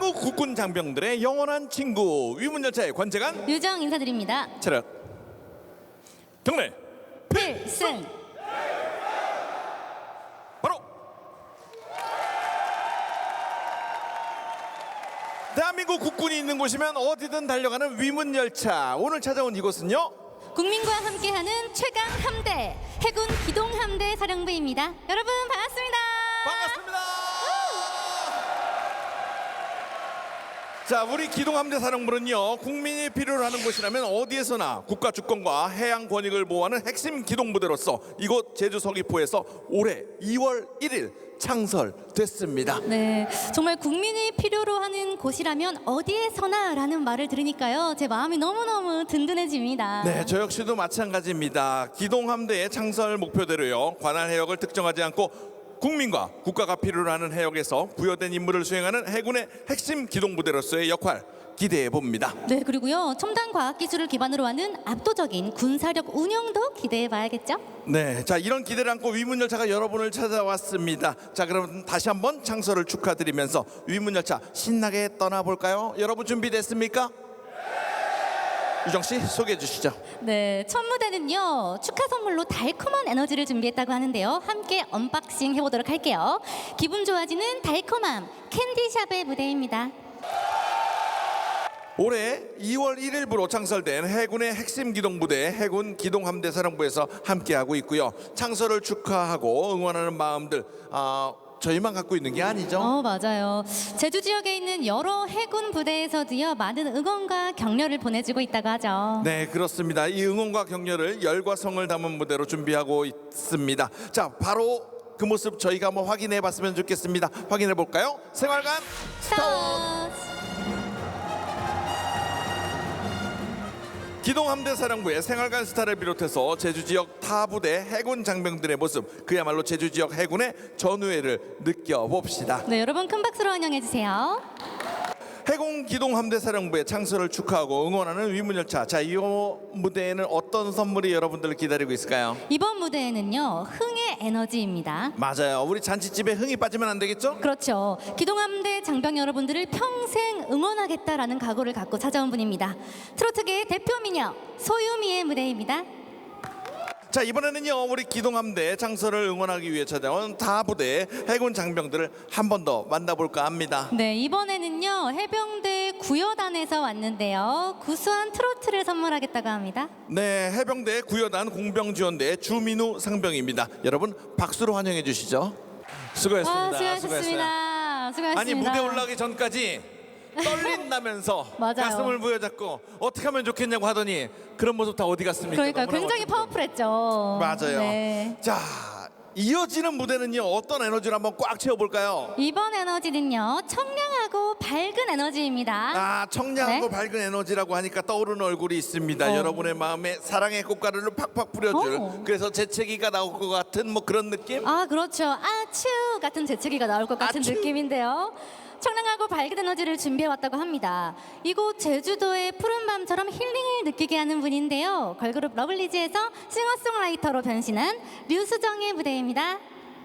대한민국 국군 장병들의 영원한 친구 위문열차의 관제관 유정 인사드립니다. 차렷 경례 필승. 바로 대한민국 국군이 있는 곳이면 어디든 달려가는 위문열차. 오늘 찾아온 이곳은요, 국민과 함께하는 최강 함대 해군 기동함대 사령부입니다. 여러분 반갑습니다. 반갑습니다. 자, 우리 기동함대 사령부는요, 국민이 필요로 하는 곳이라면 어디에서나 국가 주권과 해양 권익을 보호하는 핵심 기동부대로서 이곳 제주 서귀포에서 올해 2월 1일 창설됐습니다. 네, 정말 국민이 필요로 하는 곳이라면 어디에서나라는 말을 들으니까요, 제 마음이 너무너무 든든해집니다. 네, 저 역시도 마찬가지입니다. 기동함대의 창설 목표대로요, 관할 해역을 특정하지 않고 국민과 국가가 필요로 하는 해역에서 부여된 임무를 수행하는 해군의 핵심 기동부대로서의 역할 기대해 봅니다. 네, 그리고요, 첨단 과학 기술을 기반으로 하는 압도적인 군사력 운영도 기대해 봐야겠죠? 네, 자, 이런 기대를 안고 위문열차가 여러분을 찾아왔습니다. 자, 그럼 다시 한번 창설을 축하드리면서 위문열차 신나게 떠나볼까요? 여러분 준비됐습니까? 유정 씨 소개해 주시죠. 네, 첫 무대는요, 축하 선물로 달콤한 에너지를 준비했다고 하는데요, 함께 언박싱 해보도록 할게요. 기분 좋아지는 달콤함 캔디샵의 무대입니다. 올해 2월 1일부로 창설된 해군의 핵심 기동부대 해군 기동함대 사령부에서 함께하고 있고요. 창설을 축하하고 응원하는 마음들 저희만 갖고 있는 게 아니죠. 맞아요. 제주 지역에 있는 여러 해군 부대에서도요, 많은 응원과 격려를 보내주고 있다고 하죠. 네, 그렇습니다. 이 응원과 격려를 열과 성을 담은 무대로 준비하고 있습니다. 자, 바로 그 모습 저희가 한번 확인해 봤으면 좋겠습니다. 확인해 볼까요? 생활관 스타트! 기동함대 사령부의 생활관 스타를 비롯해서 제주 지역 타 부대 해군 장병들의 모습, 그야말로 제주 지역 해군의 전우회를 느껴봅시다. 네, 여러분 큰 박수로 환영해 주세요. 해군 기동함대 사령부의 창설을 축하하고 응원하는 위문열차. 자, 이 무대에는 어떤 선물이 여러분들을 기다리고 있을까요? 이번 무대에는요, 흥의 에너지입니다. 맞아요. 우리 잔치집에 흥이 빠지면 안 되겠죠? 그렇죠. 기동함대 장병 여러분들을 평생 응원하겠다라는 각오를 갖고 찾아온 분입니다. 트로트계의 대표 미녀 소유미의 무대입니다. 자, 이번에는요, 우리 기동함대 창설을 응원하기 위해 찾아온 타 부대 해군 장병들을 한 번 더 만나볼까 합니다. 네, 이번에는요, 해병대 구여단에서 왔는데요, 구수한 트로트를 선물하겠다고 합니다. 네, 해병대 구여단 공병지원대 주민우 상병입니다. 여러분 박수로 환영해 주시죠. 수고했습니다. 수고하셨습니다. 수고하셨습니다. 아니, 무대 올라가기 전까지 떨린다면서 맞아요. 가슴을 부여잡고 어떻게 하면 좋겠냐고 하더니 그런 모습 다 어디 갔습니까? 그러니까 너무나 굉장히 멋졌죠. 파워풀했죠. 맞아요. 네. 자, 이어지는 무대는요, 어떤 에너지를 한번 꽉 채워볼까요? 이번 에너지는요, 청량하고 밝은 에너지입니다. 청량하고 네? 밝은 에너지라고 하니까 떠오르는 얼굴이 있습니다. 여러분의 마음에 사랑의 꽃가루를 팍팍 뿌려줄, 그래서 재채기가 나올 것 같은 뭐 그런 느낌? 그렇죠. 아츄 같은 재채기가 나올 것 같은 아츄. 느낌인데요. 청량하고 밝은 에너지를 준비해왔다고 합니다. 이곳 제주도의 푸른 밤처럼 힐링을 느끼게 하는 분인데요, 걸그룹 러블리즈에서 싱어송라이터로 변신한 류수정의 무대입니다.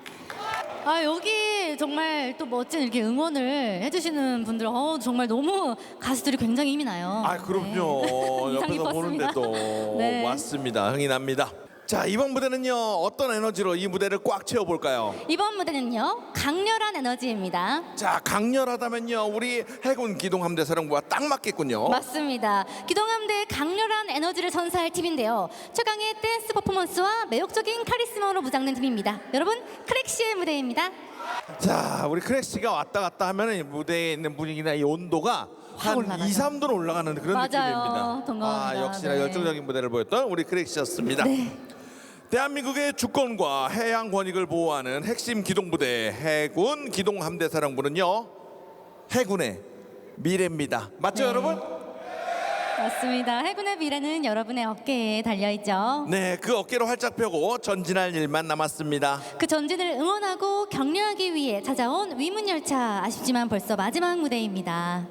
여기 정말 또 멋진 이렇게 응원을 해주시는 분들, 정말 너무 가수들이 굉장히 힘이 나요. 그럼요. 네. 인상 옆에서 깊었습니다. 보는데도 네. 맞습니다. 흥이 납니다. 자, 이번 무대는요, 어떤 에너지로 이 무대를 꽉 채워볼까요? 이번 무대는요, 강렬한 에너지입니다. 자, 강렬하다면요, 우리 해군 기동함대 사령부와 딱 맞겠군요. 맞습니다. 기동함대의 강렬한 에너지를 선사할 팀인데요, 최강의 댄스 퍼포먼스와 매혹적인 카리스마로 무장된 팀입니다. 여러분, 크랙시의 무대입니다. 자, 우리 크래시가 왔다 갔다 하면 이 무대에 있는 분위기나 이 온도가 한 올라가죠. 2, 3도로 올라가는 그런 맞아요. 느낌입니다. 동감합니다. 역시나 네. 열정적인 무대를 보였던 우리 크래시였습니다. 네. 대한민국의 주권과 해양 권익을 보호하는 핵심 기동부대 해군 기동함대 사령부는요, 해군의 미래입니다. 맞죠, 네. 여러분? 맞습니다. 해군의 미래는 여러분의 어깨에 달려있죠. 네, 그 어깨로 활짝 펴고 전진할 일만 남았습니다. 그 전진을 응원하고 격려하기 위해 찾아온 위문열차, 아쉽지만 벌써 마지막 무대입니다.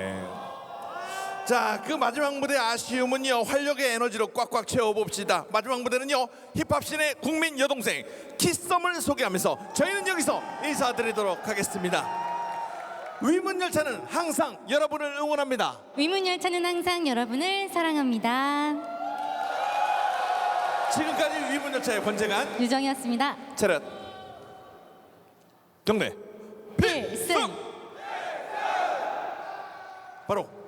자, 그 마지막 무대 아쉬움은요, 활력의 에너지로 꽉꽉 채워봅시다. 마지막 무대는요, 힙합씬의 국민 여동생 키썸을 소개하면서 저희는 여기서 인사드리도록 하겠습니다. 위문열차는 항상 여러분을 응원합니다. 위문열차는 항상 여러분을 사랑합니다. 지금까지 위문열차의 권재관, 유정이었습니다. 차렷, 경례, 필승! 바로